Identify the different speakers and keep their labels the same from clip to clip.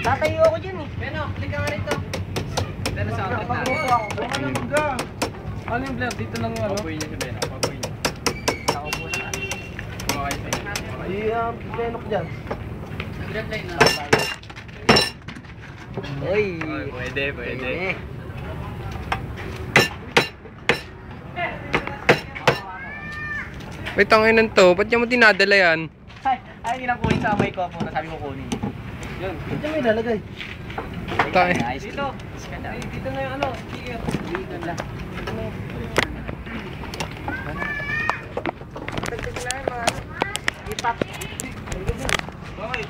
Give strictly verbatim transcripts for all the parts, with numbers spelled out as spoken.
Speaker 1: Tatayo ako dyan eh. Beno, halika nga rito. Dito sa outlet na. Ano yung blur? Dito lang yung ano? Papuin niya si Beno. Papuin niya. Nakaupo na. Kumakay sa inyo. Iya, Benok dyan. Nag-reply na. Uy. Pwede, pwede.
Speaker 2: May tanginan to. Ba't niya mo tinadala yan?
Speaker 1: Ay, ay, hindi lang kunin sa may ko. Sabi ko kunin. Yun. Dito may lalagay.
Speaker 2: Tayo.
Speaker 1: Dito. Dito na yung ano. Dito na. Dito na yung. Tagtag na yung mga ipap. Okay.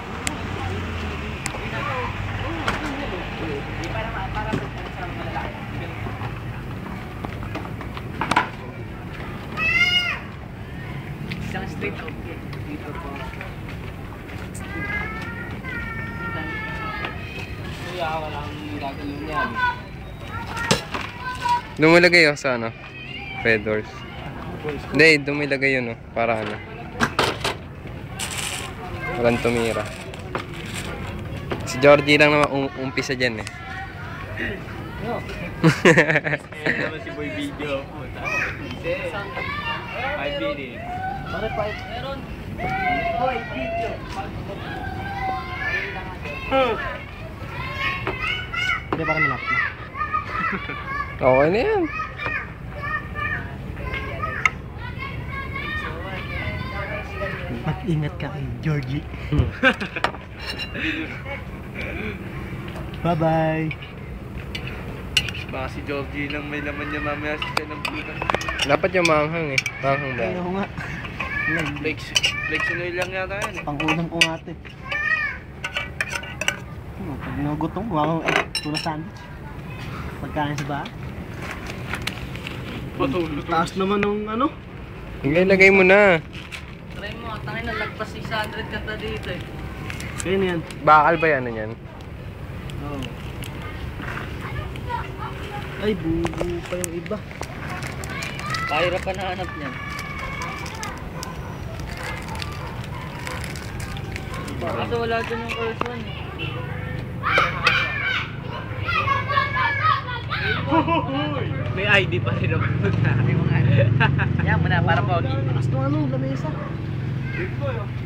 Speaker 1: Di para para sa mga lalaki. Isang straight out dito po. Kuya, walang gagawin yan.
Speaker 2: Dumulagay oh sa ano? Red doors. Hindi, dumilagay yun oh. Para ano. Walang tumira. Si Georgie lang naman um umpisa dyan eh.
Speaker 1: No.
Speaker 3: Ayan naman si Boy Video. five minutes.
Speaker 1: Bakit pa? Meron. Boy, video. Hindi, parang malap na.
Speaker 2: Okay na yan.
Speaker 1: Mag-ingat ka kay Georgie. Bye-bye.
Speaker 3: Baka si Georgie lang may laman niya mamaya sa siya ng bukas.
Speaker 2: Dapat yung manghang eh. Manghang ba?
Speaker 1: Ayun nga.
Speaker 3: Flex, flex oil lang yata yan eh.
Speaker 1: Pang-unang ko nga ito eh. Oh, pag nagutom, wow, eh, tuna sandwich. Pagkain sa bahay.
Speaker 3: Patulog.
Speaker 1: Taas naman ng ano?
Speaker 2: Ilagay mo na.
Speaker 1: Try mo, tangin na lagpas six hundred kanta dito eh. Kaya na yan.
Speaker 2: Bakal ba yan? Ano yan?
Speaker 1: Oo. Ay, bubu pa yung iba. Kahirap pa nahanap niyan. Kaso wala dyan yung first one eh.
Speaker 3: May I D pa rin ako.
Speaker 1: Yan mo na, para pogi. Taas ng ano, lamesa.
Speaker 3: Dito yun.